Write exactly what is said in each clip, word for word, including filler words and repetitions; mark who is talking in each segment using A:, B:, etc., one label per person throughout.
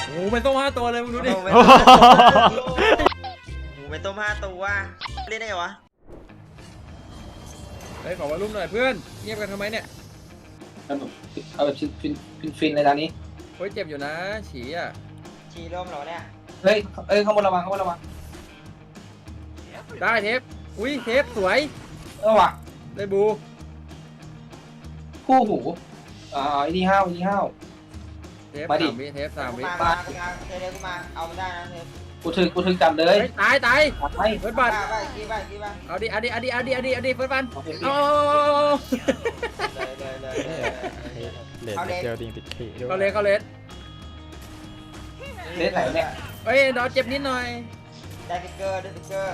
A: โอ้เป็นต้มห้าตัวเลยมึงดูดิ
B: หมูเป็นต้มห้าตัวเล่นได้ไงวะ
A: เฮ้ยขอวอลลุ่มหน่อยเพื่อนเงียบกันทำไมเนี่ย
C: เอาแบบเอาแบบฟินฟินฟินในตอนนี้
A: เฮ้ยเจ็บอยู่นะฉี่อ่ะ
B: ชีร่มเหรอเนี่ย
C: เฮ้ยเอ้ยข้างบนระวังข้างบนระวัง
A: ได้เทปอุ้ยเทปสวย
C: เออว่ะ
A: ได้บู
C: คู่หูอ่าไอ้นี่ห้าวไอ้นี่ห้าว
A: เทป
C: มาดิ
A: สามวิเทปสาม
B: กู
A: วิ
B: มามากูมาเทเดกูมาเอามันได้นะเทป
C: กูถึงกูถึงจำเลย
A: เฮ้ยตายตาย
C: ตัดไป
A: เฟิร์สบัต
B: ไปกี่ไปกี่ไป
A: เอาดิเอาดิเอาดิเอาดิเอาดิเอาดิเฟิร์สบัต
C: โอเค
A: เอา
B: เลยเลยเลยเลย
D: เลนเจลดิงติดขีด้วย
A: เขาเลสเขาเลส
C: เล่นไหนเนี่ย
A: เฮ้ยดอเจ็บนิดหน่อย
B: ได้ฟิกเกอร์ได้ฟิกเกอร์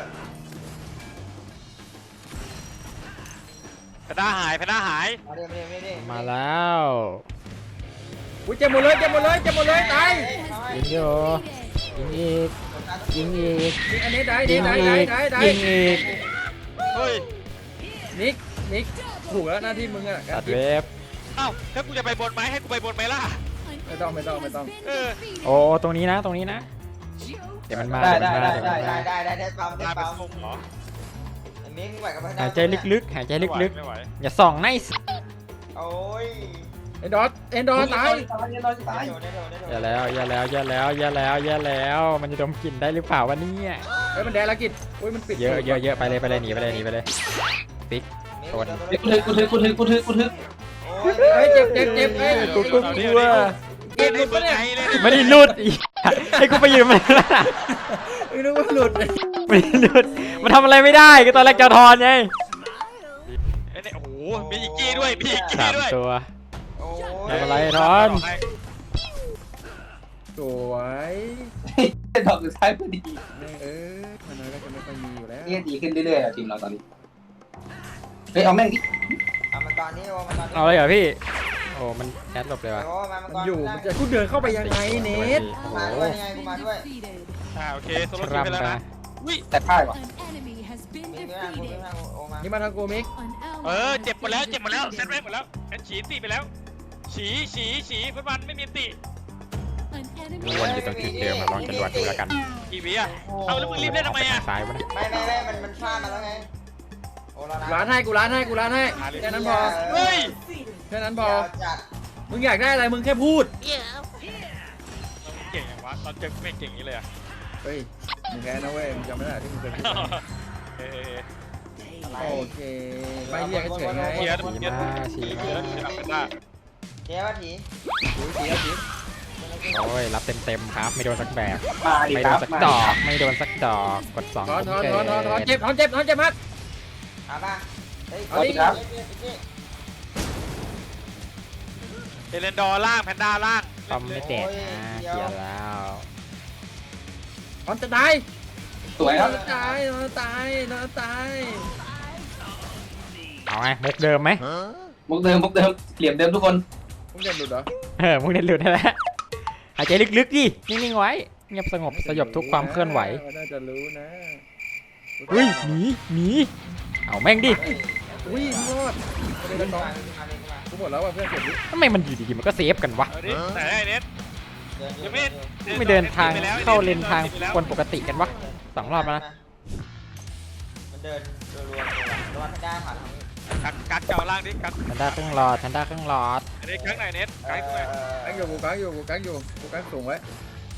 E: แพนด้าหายแพนด้าหาย
B: มาดิมาดิมาดิ
D: มาแล้ว
A: อุ้ยเจ็บหมดเลยเจ็บหมดเลยเจ็บหมดเลยตาย
D: ยิงโยยิงอีกยิงอีก
A: นี่อันนี้ได้
D: ยิ
A: นี่
D: ง
A: ได้
D: อี
A: ได้
D: ก
A: ได้ได้
D: ยิงอีก
E: เฮ้ย
A: นิกนิกถูกแล้วหน้าที่มึงอะ
D: ตัดเว็บ
E: เอ้าถ้ากูจะไปบนไหมให้กูไปบนไหมล่ะ
A: ไม่ต้องไม่ต้องไม่ต้อง
E: เออ
D: โอ้ตรงนี้นะตรงนี้นะเดี๋ยวมันมา
C: ได้
D: เดี๋ยวมัน
C: ได้
D: มาเดี๋ยว
C: ได้
D: มัน
C: ได้
D: มา
B: ได้ได้ได้ได้ปั๊มได้
E: กลายเป็น
B: ปั๊ม
E: ทรงเหรอ
B: ไอ้มิ้งไหวกับพัน
D: หายใจลึกๆหายใจลึก
E: ไม่ไหว
D: ๆอย่าส่องในส
B: โอ้ย
A: เอ็นดอสเอ็นดอสตาย
C: ตายตายตาย
B: โดนได้โดนได้โดน
D: อย่าแล้วอย่าแล้วอย่าแล้วอย่าแล้วอย่าแล้วมันจะดมกลิ่นได้หรือเปล่าวะเนี่ย
A: เฮ้ยมันแดงละกิจอุ้ยมันปิด
D: เยอะเยอะเยอะไปเลยไปเลยหนีไปเลยหนีไปเลยปิ๊ก
C: เฮ้ยกูถึงกูถึงกูถึงกูถึงกูถึง
B: โอ้ย
A: เฮ้ยเจ็บเจ็บเจ็บเอ้ย
D: กูกูกลัว
E: เล่นในเมืองไทยเลย
D: ไม่ได้หลุดอีกให้กูไปยืมมันละ
A: ไม่รู้ว่าหลุด
D: ไม่ได้หลุดมันทำอะไรไม่ได้ก็ตอนแรกจะทอนไง
E: เอ้ยเนี่ยโอ้โหมีอีกกี้ด้วยมีอีกกี้
D: สาม
E: ด้วย
D: ตัว
B: โอ้ย
D: ไม่เป็นไรทอน
A: สวย
C: ดอกสุดท้ายพอดี
A: เออมันน้อยก็จะไม่ค่อยมีอยู่แล้ว
C: นี่ดีขึ้นเรื่อยๆทีมเราตอนนี้เฮ้ยเอาแม่งดิ
B: เอามันตอนนี้โอ้มันตอนนี้
D: เอาเลยเหรอพี่โอ้มันแคสหลบเลยว่ะ
B: โอ้มามัน
A: มัน
B: ก่อน
A: อยู่มันจะกูเดินเข้าไปยังไงเนท
D: โอ้โห
B: มาด้วยยังไงกูมาด้วย
E: อ่าโอเคโซโล่
D: ค
E: คิว
D: รับ
E: ไปแล้ว
D: นะ
E: นะอุ้ย
C: แต่พ่ายว่ะ
B: มีไม่ได้กูไม่ได้โอ้มา
A: นี่มาทางกูมิก
E: เออเจ็บหมดแล้วเจ็บหมดแล้วเซตแรกหมดแล้วแอนฉีตีไปแล้ว ฉีฉีฉีฟุตบอลไม่มีตี
D: วนอยู่ตรงจุดเดิมอะลองจรวดดูแล้วกัน
E: กี่วิอ่ะเอาแล้วมึงรีบเล่นทำไมอ่ะ
D: ซ้ายวะนะ
B: ไม่ไม่ไม่มันมันฟาดมาแล้วไงโอ้แล้วนะ
A: ร้านให้กูร้านให้กูร้านให้แค่นั้นพอ
E: เฮ้ย
A: แค่นั้นพอ
B: จัด
A: มึงอยากได้อะไรมึงแค่พูด
E: เก่งอย่างวะตอนเจอไม่เก่งอย่างนี้เลยอ่ะ
A: เฮ้ยมึงแพ้นะเว้ยมึงจำไม่ได้ที่มึงเคยพูด
E: เออ
B: อะไร
A: โอเคไม่เรียกเฉยไง
E: เชียร์
D: ฉี
E: เชียร์
D: มาฉี
E: เชีย
D: มา
E: ร์เชียร์หลังกันได้
B: เจ๊ว่าถี
A: ดูเสียสิ
D: โอ้ยรับเต็มเต็มๆครับไม่โดนสักแบบ
C: มาดิ
D: ไม่
C: ค
D: โด
C: รั
D: น
C: บ
D: สัก
C: มา
D: ดอกไม่โดนสักดอกกดสอง
A: ถอนถอน
D: เกิ
A: ถอนถอนถอน
D: ด
A: เจ็บถอนเจ็บถอนเจ็บมาก
B: เอาป่ะเฮ้ย
A: เอาดิ
E: เอเลนดอร์ล่างแพนด้าล่าง
D: คอมไม่แตกนะเกียร์แล้ว
A: ถอนจะตาย
C: สวยครับ
A: นอนตายนอนตายนอนตาย
D: เอาไงมุกเดิมไหม
C: มุกเดิมมุกเดิมเหลี่ยมเดิมทุกคน
A: มึงเด็ดหลุดเหรอ
D: เออมุกเด็ดหลุดนั่นแหละหายใจลึกๆดินิ่งๆไว้เงียบสงบสยบทุกความเคลื่อนไหว
A: น่าจะรู้นะ
D: อุ้ยหนีหนีเอาแม่งดิ
A: อุ้ยรอดไม่ได้
B: มา
A: น้อง
B: มาเลยมา
A: กูหมดแล้วว่ะเพื่อนเก็บดิ
D: ทำไมมันอยู่ดีๆมันก็เซฟกันวะ
E: เอาดิไหนไอ้เน็ตยังไม่
D: ไม่เดินทางเข้าเลนทางคนปกติกันวะสองรอบแล้วนะ
B: มันเดินรัวๆระวังให้ได้ผ่านทางนี้
E: กักกักเก่าล่างดิกัก
D: ทันด้าเครื่องหลอดทันด้าเครื่องหลอด
E: อันนี้กักไหนเน็ตกักไหน
A: กังอยู่กูกังอยู่กูกังอยู่กูกังสูงไว้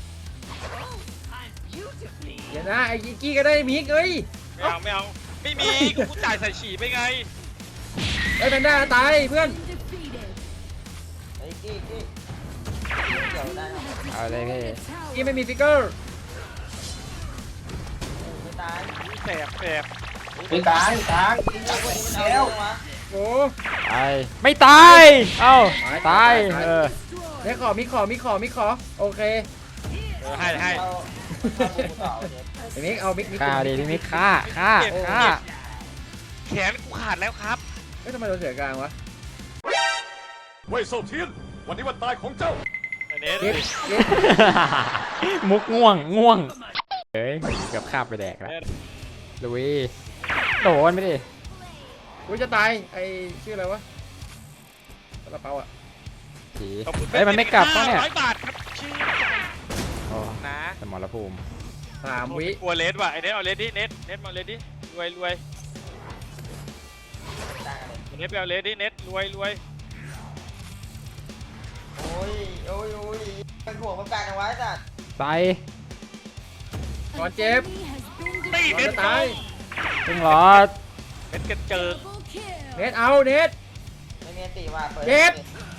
A: เดี๋ยวนะไอ้กี้ก็ได้มิกเอ้ย
E: ไม่เอาไม่เอาไม่มีกูจ่ายใส่ฉี่ไปไง
A: ไอ้แพนด้าตายเพื่อน
B: ไอ้กี้กี้เดี๋ยวได้
D: เอาเลยพี่
A: กี้ไม่มีฟิกเกอร์
B: ไม่ตาย
E: แสบแสบ
C: เฮ้ยกลางกลาง
B: แล้ว
A: โอ้
D: ตายไม่ตายเอ้าตายเออ
A: ได้ขอมีขอมีขอมีขอโอเค
E: เออให้ให้
A: ไอ้มิกเอามิกมิก
D: ฆ่าดิพี่มิกฆ่าฆ่าฆ่า
E: แขนกูขาดแล้วครับ
A: เฮ้ยทำไมเราเสียกลางวะ
F: เว่ยเซาเทียน วันนี้วันตายของเจ้า
E: เน็ต
A: เก็บเก็บ
D: มุกง่วงง่วงเฮ้ยเกือบคาบไปแดกแล้วลุยโดนไปดิ
A: กูจะตายไอ้ชื่ออะไรวะกระเป๋าอ่ะ
D: ผีเฮ้ยมันไม่กลับเขาเนี่ย
E: ร้อยบาทครับชื่อ
D: โอ้
E: นะ
D: สมรภูมิ
A: สามวิ
E: กลัวเลสว่ะไอเน็ตเอาเลสดิเน็ตเน็ตมาเลสดิรวยรวย
B: ตั้งกันเลย
E: เน็ตไปเอาเลสดิเน็ตรวยรวย
B: โอ้ยโอ้ยโอ้ยเป็นห่วงมันกลางกันไว้สัตว์
D: ใส่
A: ก่อนเจ็บ
E: ตี
A: ก่อน
E: เน็ต
A: จะตาย
D: ซึ่งหรอ
E: เน็ตกันเจอ
A: เน็ตเอาเน็ต
B: ไม่มีตีว่าเปิด
A: เจ็บ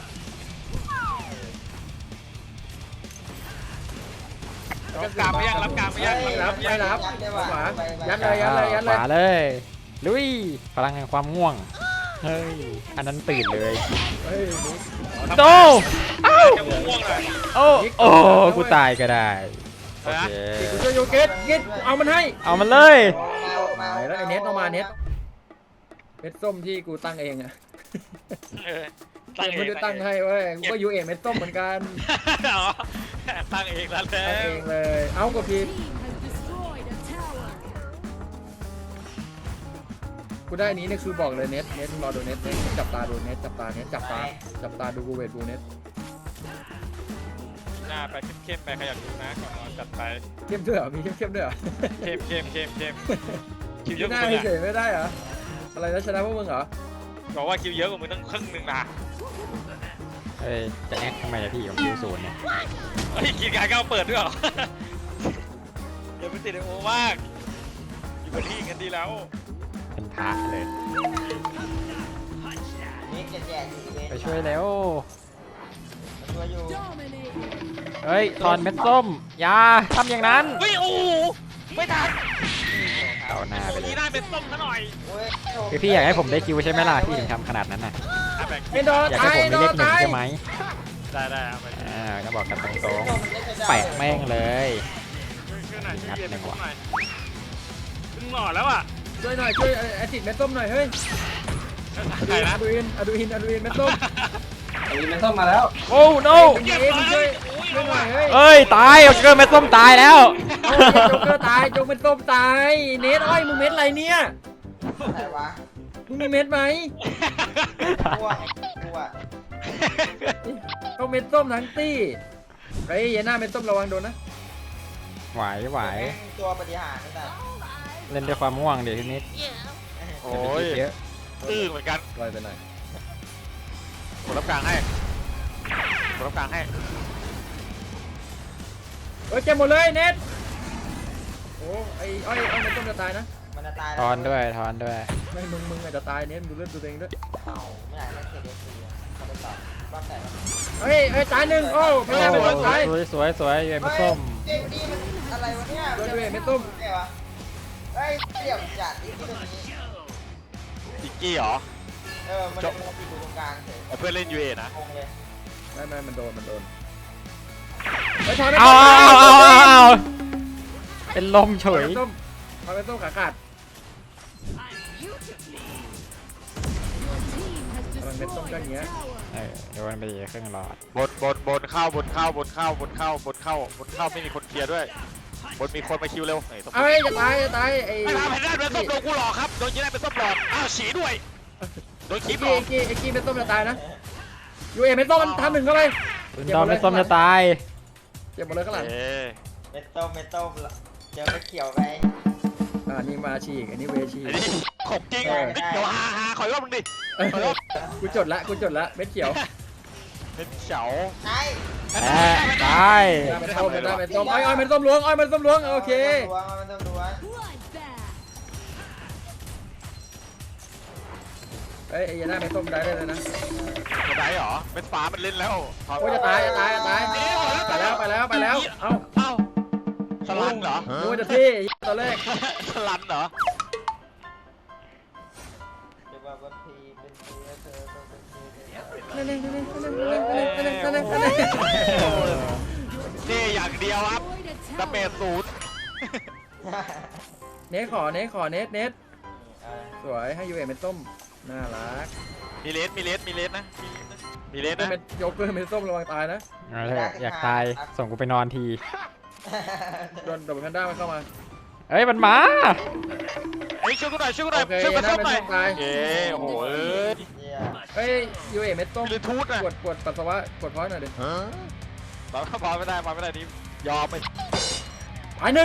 E: รับกลางไม่ยังรับกลางไม่ยัง
A: ไม่รับไม่รับ
B: ยัดได้ว่ะ
A: ขวา
B: ไปไป
A: ยัดเลยยัดเลยยัด
D: ข
A: เลย
D: วาเลยลุยพลังแห่งความง่วงเฮ้ยอันนั้นตื่นเลย
A: เฮ้ย
D: โตเอ้า
E: จะง่วงเลย
D: โอ้โอ้กูตายก็ได้โอเค
A: กูช่วยโยเกตเกตเอามันให้
D: เอามันเลย
B: มามา
A: ไหนแล้วไอ้เน็ตเอามาเน็ตเม็ดส้มที่กูตั้งเองอะ
E: เออ
A: เกมไม่ได้ตั้งให้เว้ยกูก็ยูเอเม็ดส้มเหมือนกัน
E: อ๋อตั้งเองแล้วแล้
A: ตั้งเอ
E: ว
A: งเลย เอากดผิดกูได้อันนี้เนี่ยคือบอกเลยเน็ตเน็ตรอดูเน็ตเน็ตจับตาดูเน็ตจับตาเน็ตจับตาจับตาดูกูเวทดูเน็ต
E: หน้าไปเข้มๆไปขยับดูนะก่อนนอนจัดไป
A: เข้มด้วยเหรอมีเข้มเข้มด้วยเหรอ
E: เข้มเข้มเข้มเข้มคิวเย
A: ไม่
E: อะก
A: ได้
E: ว่ามึง
A: เฉ
E: อะ
A: ยไม่ได้เหรออะไรนะชนะพวกมึงเหรอ
E: บอกว่าคิวเยอะกว่ามึงตั้งครึ่งหนึ่งนะ
D: เฮ้ยจะแอคทำไมล่ะพี่ผมยูศูนย์เนี่ย
E: เฮ้ยกินการก้าวเปิดด้วยเหรออย่าไปติดไอโอมากอยู่กับที่กันดีแล้ว
D: เป็นพระเลย
B: นี่จะแจกอยู่เลย
D: ไปช่วยแล้ว
B: มาช่วยอยู่
D: เฮ้ยทอนเม็ดส้มอย่าทำอย่างนั้น
E: เฮ้ยโอ้โหไม่ทัน
D: เอาหน้าไป
E: วัน
D: เลย
E: นี้ได้เป็นส้มซะหน่อย
B: โอ้ยโชค
D: คือพี่อยากให้ผมได้คิวใช่ไหมล่ะพี่ถึงทำขนาดนั้นน่ะ
E: อ่ะแบ่ง
A: ไม่โดน
D: อยากให้
A: ตาย
D: ผม
A: โด
D: ได้เล
A: น
D: ขหนึ่ง
A: ตาย
D: ใช่ไหม
E: ได้ได้เอาไป
D: อ่าก็บอกกันตรง
B: โชคมันได้ใช้ได้
D: ๆแปะแม่งเลย
E: ช่วยช่วยหน่อยช่วยเย็น
D: นัดหนึ่ง
E: ห
D: ว่ะ
E: น่อยมึงหล่อแล้วอ่ะ
A: ช่วยหน่อยช่วยแอซิดเม็ดส้มหน่อยเฮ้ย
E: ใครนะ
A: อะดูอินอะดูอินอะดูอินเม็ดส้ม
C: อันนี้มันต้องมาแล้ว
D: โอ้ no
A: เย็นช่วยช่วยหน่อยเฮ้ย
D: เอ้ยตายเอาเกินเม็ดส้มตายแล้ว
A: เอาโจ๊กเกอร์ตายโจ๊กเม็ดส้มตายเน็ตอ้อยมึงเม็ดอะไรเนี่ย
B: ไหนวะ
A: มึงมีเม็ดไหม
B: กลัวกลัว
A: ต้องเม็ดส้มทั้งตี้เฮ้ยอย่าหน้าเม็ดส้มระวังโดนนะ
D: ไหวไหว
B: ตัวปฏิหารนี่แต่
D: เล่นด้วยความง่วงเดี๋ยวทีนี้
E: โอ้
D: อย่าไป
E: ย
D: คิดเยอะ
E: ตื้อเหมือนกัน
A: ลอยไปหน่อย
E: กดรับกลางให้กดรับกลางให้
A: เฮ้ยเจ็บหมดเลยเน็ตโอ้ไอ้อ้อยอ้อยเม็ดส้มจะตายนะ
B: มันจะตาย
D: ทอนด้วยทอนด้วย
A: ไม่มึงมึงอาจจะตายเน็ตดูเลือดตัวเองด้วย
B: เอาไม่อยากเล่นเทเดซีเขาไปต่อบ้านไหนวะ
A: เฮ้ยเฮ้ยตายหนึ่งโอ้ไม่ได้เป็นตาย
D: สวยสวยสวยอยู่เม็ดส้ม
B: เฮ้ยเจดีมันอะไรวะเนี่ย
A: ช่วยด้วยเม็ดส้ม
B: ไงวะเฮ้ยเดี่ยวจัดที่ตัวนี้
E: จิกกี้เหรอ
B: เออมันจะมาติดอยู่ตรงกลางเฉย
E: เอาเพื่อนเล่นยูเอนะ
B: งงเลย
A: ไม่ไม่มันโดนมันโดนเฮ้ยทอยไม่
D: เอา
A: ต้
D: เอา
A: ม
D: เอาเอาเอาเป็นลมเฉย
A: ส้มทอยไม่ต้มขาขาดมันเม็ดส้มก็อย่างเงี้ย
D: เออโดนไปเครื่องหลอด
E: บนบนบนเข้าบนเข้าบนเข้าบนเข้าบนเข้าบนเข้าไม่มีคนเคลียร์ด้วยบนมีคนมาคิวเร็วไหนต้อง
A: เอ้ยจะตายจะตายไอ้
E: ไม่ทำให้ได้เป็นส้มโดนกูหลอกครับโดนยิงได้เป็นส้มหลอกอ้าวฉีด้วยโดน
A: ไอ้
E: คีบหล
A: กี้
E: อก
A: ไอ้กี้ไอ้กี้เม็ดส้มจะตายนะยูเอเม็ดส้มมันทำหนึ่งเข้าไป
D: คุณดอมเม็ดส้มจะตาย
A: เจ็บหมดเลยข้างหลัง
E: เอ๊ะ
B: เมตโต้เมตโต้เจอไปเขียวไป
A: อ่านี่มาฉีกอันนี้เวชี
E: ไอ้นี่ขบจริงเดี๋ยวฮาฮาขอยว่ามึงดิ
A: เออกูจดละกูจดละเม็ดเขียว
E: เป็นเฉา
B: ไอ้
D: แอะตาย
A: เม็ดส้มเม็ดส้มเม็ดส้มอ้อยอ้อยเม็ดส้มล้วงอ้อยเม็ดส้มล้วงโอเค
B: ดวงมันต้องดวง
A: เอ้ยไอ้ยันหน้าเม็ดส้มได้เลยนะ
E: จะได้เหรอเป็นฟ้ามันเล่นแล้ว
A: โอ้ยจะตายจะตายจะตายไปแล้วไปแล้วไปแล้วเอ้า
E: เอ้าสลันเหรอ
A: ดูจะที่ตอนแรก
E: สลันเหรอ
B: จะบอกว่าพีเป็นพีแล้วเธอต้องเป็นพี
A: นั่นเองนั่นเองนั่นเองนั่นเองนั่นเองนั่นเอง
E: นี่อย่างเดียวครับดาเมจศูนย์
A: เน็ตขอเน็ตขอเน็ตเน็ตสวยให้ยูเอเม็ดส้มน่ารัก
E: มีเลสมีเลสมีเลสนะมีเลสนะ
A: เม็ดโยกเกอร์เม็ดส้มระวังตายนะ
D: เอาเถอะอยากตายส่งกูไปนอนที
A: โดนโดนแพนด้ามันเข้ามา
D: เอ้ยมันมา
E: เฮ้ยช่วยกูหน่อยช่วยกูหน่อย
A: โอเค
E: ช่วยมา
A: ยั
E: ส้
A: น
E: ม
A: ห
E: หน่
A: น้า
E: อย
A: เม็ดส้มตาย
E: เอ้โอ้โหเอ้ย
A: เฮ้ยยูเอเม็ดส้ม
E: มีทูตนะ
A: ปวดปวดปัสสาวะปวดเพราะหน่อยดิ
E: บอลบอลไม่ได้บอลไม่ได้นี่ยอมไป
A: ตายหนึ่ง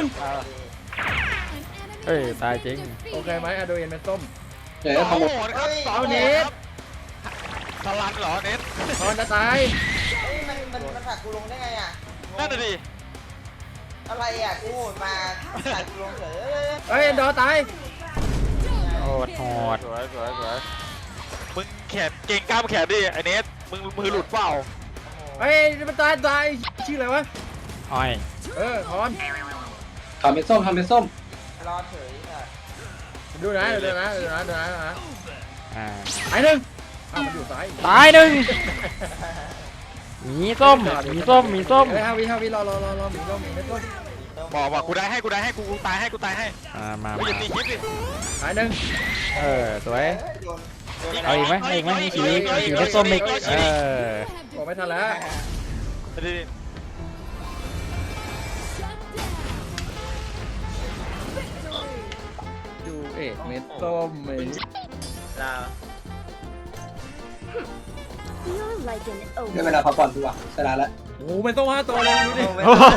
D: เอ้ยตายจริง
A: โอเคไหมอะโดเอ็นเป็นส้ม
C: เดี๋ยว
E: โอ้
C: ขโม
E: โห
C: ย
E: ครับสอง
A: เอา
E: เน
A: เน็
E: ต
A: ต
E: สลันเหรอเน็ต
A: ตอนจะตาย
B: เฮ้ยมันมันมันผลักกูลงได้ไงอ่ะงง
E: นั่นน่ะดิ
B: อะไรอ่ะกูโหดมาผลักกูลงเฉย
A: เฮ้ยดอตาย
D: โหดโหด
E: สวยสวยสวยมึงแขนเก่งกล้ามแขนดิไอเน็ตมึงมือหลุดเปล่า
A: เฮ้ยมันตายตายชื่ออะไรวะ
D: อ้อย
A: เออทอน
C: ทำเป็นส้มทำเป็นส้ม
B: รอเฉยอ่ะ
A: ดูนะดูนะดูนะดูนะดูนะ
D: อ่า
A: ตายหนึ่งอ้าวมันอยู่ซ้าย
D: ตายหนึ่งหมีส้มหมีส้มหมีส้ม
A: เฮ้ยฮาวิฮาวิรอรอรอรอหมีส้มหมีเม็ดส้ม
E: บอกบอกกูได้ให้กูได้ให้กูกูตายให้กูตายให้
D: อ่ามา
E: ไม่อย่า
D: มา
E: ตีคลิปดิ
A: ตายหนึ่ง
D: เออสวย
B: เฮ้ยโดนโดน
D: เอาอีกไหมเอาอีกไหมมีสีมีสีเม็ดส้มอีกเออ
A: บอกไม่ทันแล้ว
E: ไม่ได้ดิ
A: ดูเอกเม็ดส้มไอ้
B: ลาว
G: You're like an
C: ได้เวลาพักผ่อนดีกว่าชนะแล้ว
A: โอ้โหเม็ดส้มห้าตัวเลยดูดิ
D: โอ้โห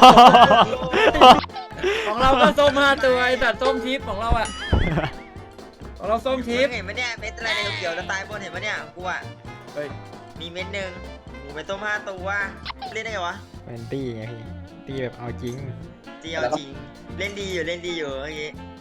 A: ของเราก็ส้มห้าตัวไอ้สัตว์ส้มทิพย์ของเราอะของเราส้มทิพย์
B: เห็นไหมเนี่ยเม็ดอะไรในเขียวๆจะตายบนเห็นไหมเนี่ยกูอ่ะ
A: เฮ้ย
B: มีเม็ดหนึ่งหมูเป็นต้มห้าตัวเล่นได้ไงวะ
D: เป็นตี้ไงพี่ตี้แบบเอาจริง
B: จีเอาจริงเล่นดีอยู่เล่นดีอยู่เมื่อกี้